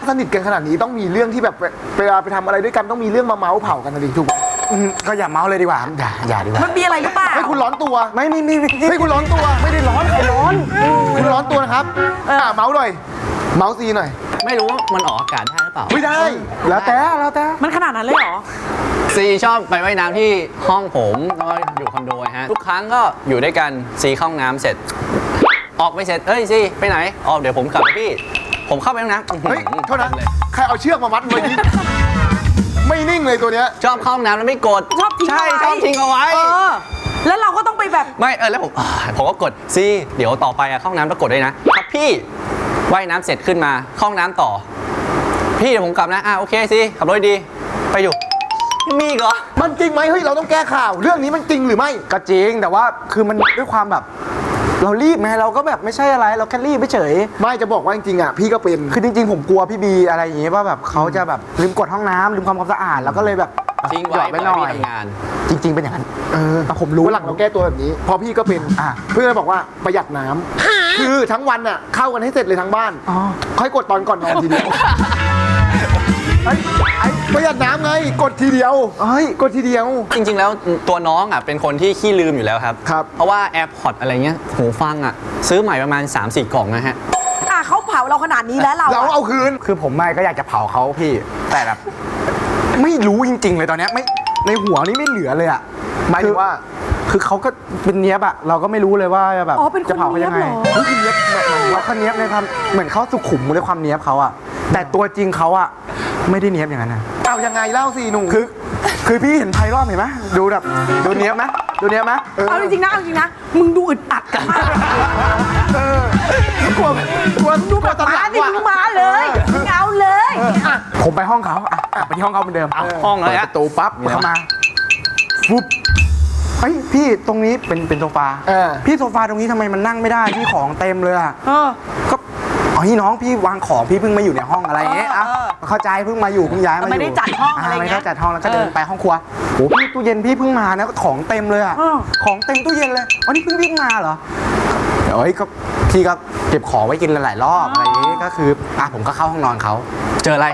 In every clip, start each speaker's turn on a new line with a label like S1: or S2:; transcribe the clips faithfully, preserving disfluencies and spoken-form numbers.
S1: สนิทกันขนาดนี้ต้องมีเรื่องที่แบบเวลาไปทำอะไรด้วยกันต้องมีเรื่องมาเมาส์เผากันนะดิถูกไหมก็อย่าเมาส์เลยดีกว่าอย่าอย่าดีกว่า
S2: มันมีอะไรหรือเปล่า
S1: ให้คุณร้อนตัวไม่ไม่ไม่ให้คุณร้อนตัวไม่ได้ร้อนใครร้อนคุณร้อนตัวนะครับอ่าเมาส์หน่อยเมาส์ซีหน่อย
S3: ไม่รู้ว่ามันออกอากาศได้หรือเปล่า
S1: ไม่ได้แล้วแต่แล้วแต่
S2: มันขนาดนั้นเลยเหรอ
S3: ซีชอบไปว่ายน้ำที่ห้องผมแล้วอยู่คอนโดฮะทุกครั้งก็อยู่ด้วยกันซีเข้าห้องน้ำเสร็จออกไปเสร็จเอ้ยซีไปไหนออกเดี๋ยวผมกลับพี่ผมเข้าไปห้องน้ำ
S1: เฮ้ยเท่านั้นใครเอาเชือกมามัดไว้นี่ไม่นิ่งเลยตัวเนี้ย
S3: ชอบเข้าห้องน้ำแล้วไม่กด
S2: ชอบทิ้ง
S3: ใช่ชอบทิ้งเอาไว้
S2: แล้วเราก็ต้องไปแบบ
S3: ไม่เออแล้วผมผมก็กดซีเดี๋ยวต่อไปอะเข้าห้องน้ำต้องกดด้วยนะครับพี่ว่ายน้ำเสร็จขึ้นมาเข้าห้องน้ำต่อพี่เดี๋ยวผมกลับนะอ่ะโอเคซีขับรถดีไปอยู่มีเหรอ
S1: มันจริงไหมเฮ้ยเราต้องแก้ข่าวเรื่องนี้มันจริงหรือไม่ก็จริงแต่ว่าคือมันด้วยความแบบเรารีบไงเราก็แบบไม่ใช่อะไรเราแค่รีบไม่เฉยไม่จะบอกว่าจริงๆอ่ะพี่ก็เป็นคือจริงๆผมกลัวพี่บีอะไรอย่างเงี้ยว่าแบบเขาจะแบบลืมกดห้องน้ำลืมความความสะอาดแล้วก็เลยแบบ
S3: ทิ้งไว้
S1: ไปหน่อย
S3: งาน
S1: จริงๆเป็นอย่างนั้นเออผมรู้หลังเราแก้ตัวแบบนี้พอพี่ก็เป็นอ่ะเพื่อนบอกว่าประหยัดน้ำคือทั้งวันอ่ะเข้ากันให้เสร็จเลยทั้งบ้านค่อยกดตอนก่อนนอนทีเดียวไอ้ไอ้ประหยัดน้ำไงกดทีเดียวเฮ้ยกดทีเดียว
S3: จริงๆแล้วตัวน้องอ่ะเป็นคนที่ขี้ลืมอยู่แล้วครับ
S1: ครับ
S3: เพราะว่า AirPods อะไรเงี้ยหูฟังอ่ะซื้อใหม่ประมาณ สามสี่ กล่องนะฮะ
S2: อ่ะเขาเผาเราขนาดนี้แล้วเรา
S1: เราเอาคืนคือผมไม่ก็อยากจะเผาเขาพี่แต่แบบไม่รู้จริงๆเลยตอนนี้ไม่ในหัวนี้ไม่เหลือเลยอ่ะหมายถึงว่าคือเขาก็เป็นเนี้ยบอะเราก็ไม่รู้เลยว่าแบบจะเผาเขายังไงเขาเนี้ยบแบบเขาเขาเนี้ยบในความเหมือนเขาสุขุมในความเนี้ยบเขาอะแต่ตัวจริงเขาอะไม่ได้เนี้ยบอย่างนั้นนะเอายังไงเล่าสิหนูคือคือพี่เห็นไพรอบเห็นไหมดูแบบดูเนี้ยบไหมดูเนี้ยบไหม
S2: เอาจริงๆนะเอาจริงนะมึงดูอึดอัดกันมาก
S1: เออกลัวกลัว
S2: ดูแบบมาดิมึงมาเลยมึงเอาเลย
S1: ผมไปห้องเขาอ่ะไปที่ห้องเขาเหมือนเดิม
S3: ห้องเลย
S1: ประตูปั๊บเข้ามาฟุบเฮ้ยพี่ตรงนี้เป็นเป็นโซฟาพี่โซฟาตรงนี้ทำไมมันนั่งไม่ได้พี่ของเต็มเลยอ่ะก็อ๋อพี่น้องพี่วางของพี่เพิ่งมาอยู่ในห้องอะไรเงี้ยอ่ะเข้าใจเพิ่งมาอยู่เพิ่งย้ายมาอยู่
S2: ไม่ได้จัดห้องอะไรเงี้ย
S1: ไม่ได้จัดห้องแล้วก็เดินไปห้องครัวโอ้พี่ตู้เย็นพี่เพิ่งมานะของเต็มเลยอ่ะของเต็มตู้เย็นเลยอ๋อนี่เพิ่งวิ่งมาเหรอเฮ้ยก็พี่ก็เก็บของไว้กินหลายรอบอะไรอย่างงี้ก็คืออ่ะผมก็เข้าห้องนอนเขา
S3: เจออะไร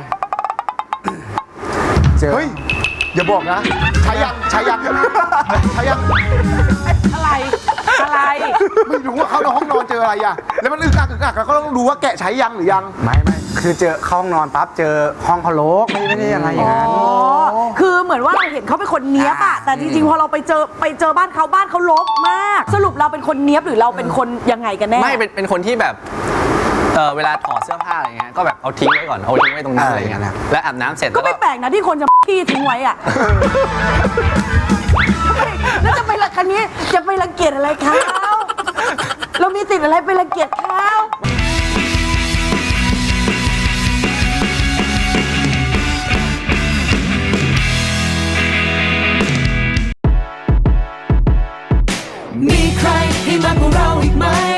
S1: เจอเฮ้ยอย่าบอกนะใช้ยังใช้ยังใช้ยัง
S2: อะไรอะไร
S1: ไม่รู้ว่าเขาในห้องนอนเจออะไรอ่ะแล้วมันอึกอักอึกอักแล้วก็ต้องดูว่าแกะใช้ยังหรือยังไม่ไม่คือเจอเข้าห้องนอนปั๊บเจอห้องเขารกไม่ไม่ได้อะไรอย่างนั้น
S2: อ๋อคือเหมือนว่าเราเห็นเขาเป็นคนเนี้ยบอะแต่จริงๆพอเราไปเจอไปเจอบ้านเขาบ้านเขารกมากสรุปเราเป็นคนเนี้ยบหรือเราเป็นคนยังไงกันแน่
S3: ไม่เป็นเป็นคนที่แบบเออเวลาถอดเสื้อผ้าอะไรเงี้ยก็แบบเอาทิ้งไว้ก่อนเอาทิ้งไว้ตรงนั้นอะไรเงี้ยนะแล้วอาบน้ำเสร็จ
S2: ก็ไม่แปลกนะที่คนจะขี้ทิ้งไว้อะแล้วจะไปละคันนี้จะไปรังเกียจอะไรเขาเรามีติดอะไรไปรังเกียจเขา
S4: มีใครให้มากกว่าเราอีกไหม